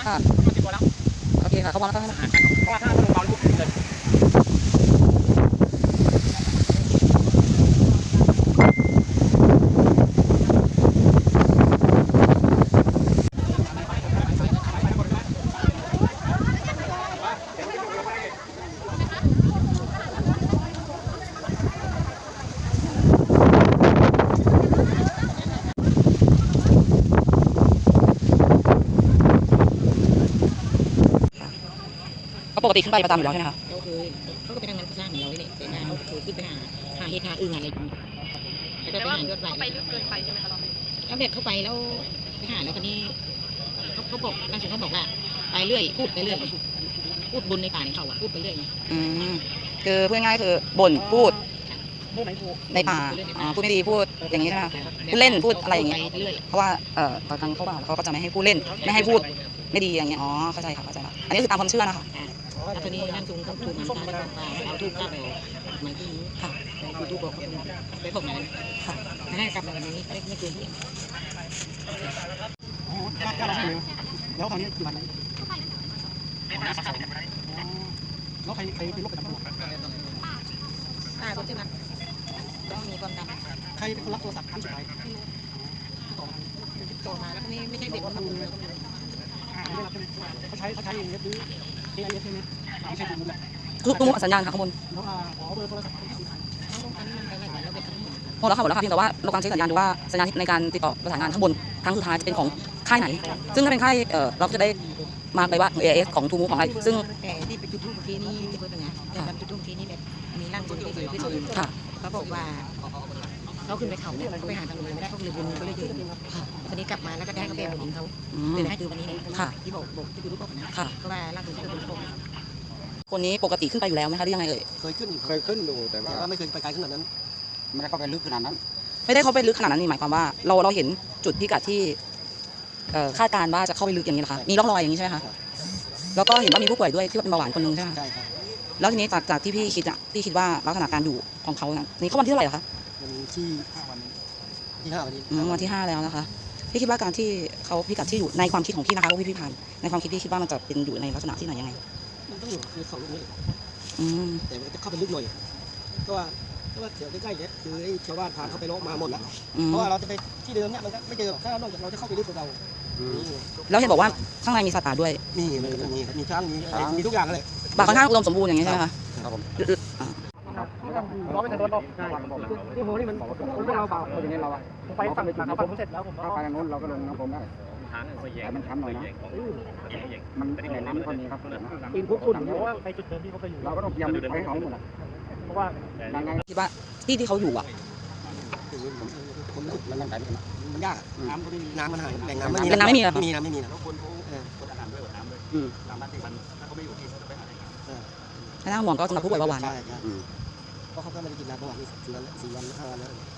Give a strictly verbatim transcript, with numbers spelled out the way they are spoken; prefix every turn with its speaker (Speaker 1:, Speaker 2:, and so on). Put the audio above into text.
Speaker 1: ค่ะโอเคค่ะเขาบอกแล้วค่ะเพราะว่าถ้าลงเบาปุ๊บเลยปกติขึ้นไปประจำอยู่แล้วใช่ไหมคะ
Speaker 2: เราเคยเขาก็ไปทำงานก่อสร้างเหมือนเราเนี่ยแต่งานเขาเคยขึ้นไปหาหาเฮทาอึ่งอะไรอย่างนี้แล้วก็ไปหายอดไหลเขาไปลึกเกินไปใช่ไหมคะเราแล้วแบบเขาไปแล้วไปหาแล้วคนนี้เขาเขาบอกร่างทรงเขาบอกว่าไปเรื่อยพูดไปเรื่อยพูดบนในป่าในเขาอะพูดไปเรื่อย
Speaker 1: อืมคือพูดง่ายๆคือบ่นพูดในป่าพูดไม่ดีพูดอย่างนี้ใช่ไหมคะพูดเล่นพูดอะไรอย่างนี้เพราะว่าเอ่อตอนกลางเขาป่าเขาก็จะไม่ให้พูดเล่นไม่ให้พูดไม่ดีอย่างเงี้ยอ๋อเข้าใจค่ะเข้าใจละอันนี้คือตามความเชื่อนะคะ
Speaker 2: แล้วทีนี้ร่างทรงเขาถูกมันตาแล้วก็เอาทูบกลับไปมาที่นี้ค่ะไปดูบอกไปบอกมาค่ะให้กลับมาวันนี้ไม่ไม่เกินที่
Speaker 3: แล้วตอนนี้กี่วันแล้วแล้วใครใครเป็นโรคประจำตัว
Speaker 2: ตาคนใช่ไหมต้องมีความดัน
Speaker 3: ใครเป็นคนรับโทรศัพท์ครั้งสุดท้าย
Speaker 2: ต่อมาแล้วนี่ไม่ใช่เด็กทำเลย
Speaker 3: ไม่รับใช่ไหมเขาใช้เขาใช้เองหรือเอไอเอสใช่ไหมไม่ใช่ทูมูลแหละ
Speaker 1: คือตู้สัญญาณค่ะข้างบน
Speaker 3: แล้วขอเบอร์โทรศัพท์ที่สุดท้าย
Speaker 1: หมดแล้วค่ะหมดแล้วค่ะเพียงแต่ว่าเรากำลังเช็คสัญญาณดูว่าสัญญาณในการติดต่อประสานงานข้างบนครั้งสุดท้ายจะเป็นของค่ายไหนซึ่งถ้าเป็นค่ายเอ่อเราก็จะได้มาเลยว่า เอ เอส ของทูมูของอะไรซึ่ง
Speaker 2: แต่ที่ไปจุดทูบเมื่อกี้นี่ที่พูดเป็นไงแต่การจุดทูบเมื่อกี้นี่แบบมีร่างทรงที่ดีที่สุด
Speaker 1: ค่ะ
Speaker 2: เขาบอกว่าเขาขึ้นไปเขาเนี่ยเขาไปหาทางลงไม่ได้เขาเลยบนก็เลยยืนตอนนี้กลับมาแล้วก็ได้เขาไปบุญเขาเลยให้ดูวันนี้
Speaker 1: ค่ะ
Speaker 2: ที่บอกบอกที่ดูรูปบอกนะเพราะว่าร่างทรงที่เป็นคน
Speaker 1: คนนี้ปกติขึ้นไปอยู่แล้วไหมคะหรือยังไงเอ่ย
Speaker 3: เคยขึ้น
Speaker 4: เคยขึ้นอยู่แต่
Speaker 3: ว่าไม่เคยไปไกลขนาดนั้น
Speaker 4: ไม่ได้เข้าไปลึกขนาดนั้น
Speaker 1: ไม่ได้เข้าไปลึกขนาดนั้นนี่หมายความว่าเราเราเห็นจุดพิกัดที่คาดการณ์ว่าจะเข้าไปลึกอย่างนี้นะคะมีร่องรอยอย่างนี้ใช่ไหมคะแล้วก็เห็นว่ามีผู้ป่วยด้วยที่เป็นเบาหวานคนนึงใช่ไหม
Speaker 3: ใช่ครับ
Speaker 1: แล้วทีนี้จากจากที่พี่คิดอะพี่คิดว่าลักษณะการอยู่ของเขานี่เขาวันที่เท่าไหร่คะ
Speaker 3: วันที่ห้าวันที่ห้าวันนี้
Speaker 1: วันที่ห้าแล้วนะคะพี่คิดว่าการที่เขาพิกัดที่อยู่ในความคิดของพี่นะคะว่าพี่พี่ผ่านในความคิดพี่คิดว่ามันจะเป็นอยู่ในลักษณะที่ไหนยังไง
Speaker 3: มันต้องอยู่คือเขาลึกนี่
Speaker 1: อืม
Speaker 3: แต่มันจะเข้าไปลึกหน่อยก็ว่าก็ว่าเดี๋ยวใกล้ๆเนี่ยคือไอ้ชาวบ้านผ่านเข้าไปโลกมาหมดแล้วเพราะว่าเราจะไปที่เดิมเนี่ยมันก็ไม่เจอถ้านอกจากเราจะเข้าไปลึกกว่าเรา
Speaker 1: แล้วเห็นบอกว่าข้างในมีสัตว์ป่าด้วย
Speaker 3: มีมันก็มีมีช้างมีมีทุกอย่างเลย
Speaker 1: ป่าค่อนข้างอุดมสมบูรณ์อย่างนี้ใช่ไหมคะ
Speaker 4: ครับผม
Speaker 3: ร้อยไม่ทันโดนหรอกที่โหนี่มันมันเราเบา
Speaker 4: อย่างนี้เราอะ
Speaker 3: ไปฝั่งฝั่งผมเสร็จแล้วผม
Speaker 4: เข้าไปทางโน้นเราก็ลงน้ำผมได้แต่มันชันหน่อยนะมันแหล่งน้ำคนนี้ครับ
Speaker 3: ปีนพวกคุณเพราะว่าไปจุดเดิมที่เขาเคยอยู่
Speaker 4: เราก็ต้องยังไปเขาหมด
Speaker 3: เพราะว่า
Speaker 1: คิดว่าที่ที่เขาอยู่อ่ะ
Speaker 3: คนลุกมันมันมันยากน้ำก็ไม่มีน้ำมันหายแหล่งน้ำไม่มี
Speaker 1: แหล่งน้ำไม่มีเหรอ
Speaker 3: มีน้ำไม่มีนะคนเขา
Speaker 4: เออคนอาบน้ำด้วยน้ำด้วยน้ำบ้านที่มันถ้าเขาไม่อยู่ที่เขาจะไปหาได้
Speaker 1: ถ้านั่งห่วงก็สำหรับผู้ป่วยเบาหวาน
Speaker 3: ใช่ใช่เพราะเขาก็ไม่ได้กินน้ำเบาหวานสี่วันสี่วันห้าวันแล้ว